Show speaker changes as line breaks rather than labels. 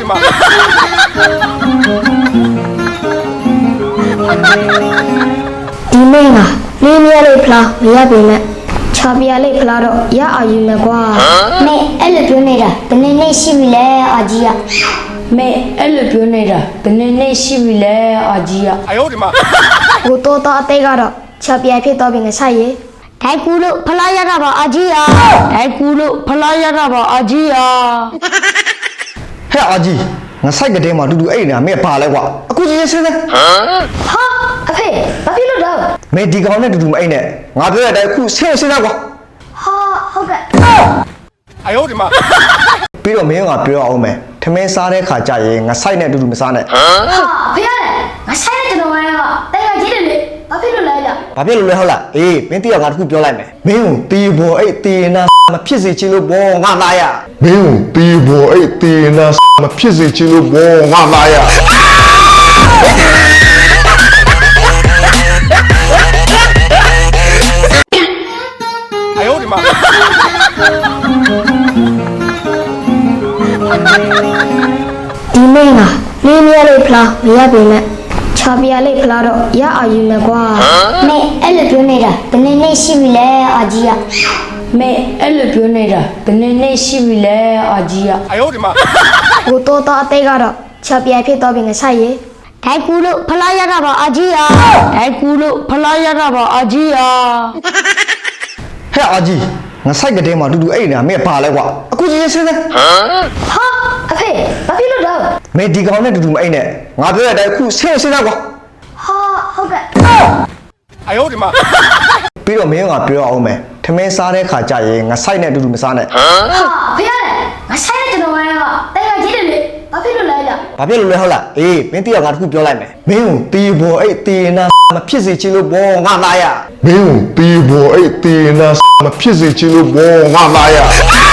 妈！
ဒီမင်းကလေးမြဲလေးဖလားမရပေမဲ့ချာပြလေးဖလားတော့ရအာယူမယ်ကွာမင်းအဲ့လိုပြောနေတာဘယ်နှစ်ရှိပြီလဲအာကြီးကမင်းအဲ့လိုပြောနေတာဘယ်နှစ်ရှိပြီလဲအာကြီးက
哎呦我的妈！
ကိုတော့တော့အသေးကတော့ချာပြဖြစ်တော့ပြီငါဆိုင်ရေဒိုင်ကူလို့ဖလားရတာပါအာကြီးဟာဒိုင်ကူလို့ဖလားရတာပါအာကြီးဟာ
ဟဲ့အာကြီးငါဆိုင်ကတဲ့မှာတူတူအဲ့နေတာမင်းပါလဲကွာအခုချင်းချင်းစင်းစင်း
ဟာအဖေဘာဖြစ်လို့တော့
မင်းဒီကောင်နဲ့တူတူမအိတ်နဲ့ငါပြောတဲ့အတိုင်းအခုဆင်းစင်းသားကွာ
ဟာဟုတ်ကဲ့
哎呦我的妈！
ပြီးတော့မင်းကပြောအောင်မယ်ထမင်းစားတဲ့ခါကြရင်ငါဆိုင်နဲ့တူတူမစားနဲ့
ဟာဖေရတယ်ငါဆိုင်တဲ့ကျွန်တော်ကတိုင်ကကြီးတယ်လေဘာဖြစ်လို့လဲကြ
ဘာဖြစ်လို့လဲဟုတ်လားအေးမင်းတိရငါတခုပြောလိုက်မယ်မင်းကိုတီးဘောအဲ့တီးနာမဖြစ်စေချင်လို့ဘောငါလာရ
မင်းကိုတီးဖို့အဲ့တီးနာမဖြစ်စေချင်လို့ဘောငါလာရ
哎呦我的妈！
ဒီမင်းကလေးမြဲလေးဖလားမရပေမဲ့ချာပြလေးဖလားတော့ရအာယူမယ်ကွာမင်းအဲ့လိုပြောနေတာဘယ်နှစ်ရှိပြီလဲအာကြီးကမင်းအဲ့လိုပြောနေတာဘယ်နှစ်ရှိပြီလဲအာကြီးက
哎呦我的妈！
ကိုတော့တော့အသေးကတော့ချာပြဖြစ်တော့ပြီငါဆိုင်ရေဒိုင်ကူလို့ဖလားရတာပါအာကြီးဟာဒိုင်ကူလို့ဖလားရတာပါအာကြီးဟာ
ဟဲ့အာကြီးငါဆိုင်ကတဲ့မှာတူတူအဲ့နေတာမင်းပါလဲကွာအခုချင်းချင်းစင်းစင်း
ဟာအဖေဘာဖြစ်လို့တော့
မင်းဒီကောင်နဲ့တူတူမအိတ်နဲ့ငါပြောတဲ့အတိုင်းအခုဆင်းစင်းသားကွာ
ဟာဟုတ်ကဲ့
哎呦我的妈！
ပြီးတော့မင်းကပြောအောင်မယ်ထမင်းစားတဲ့ခါကြရင်ငါဆိုင်နဲ့တူတူမစားနဲ့
ဟာဖေရတယ်ငါဆိုင်တဲ့ကျွန်တော်ကတိုင်ကကြီးတယ်လေဘာဖြစ်လို့လဲကြ
ဘာဖြစ်လို့လဲဟုတ်လားအေးမင်းတိရငါတခုပြောလိုက်မယ်မင်းကိုတီးဘောအဲ့တီးနာမဖြစ်စေချင်လို့ဘောငါလာရ
မင်းကိုတီးဖို့အဲ့တီးနာမဖြစ်စေချင်လို့ဘောငါလာရ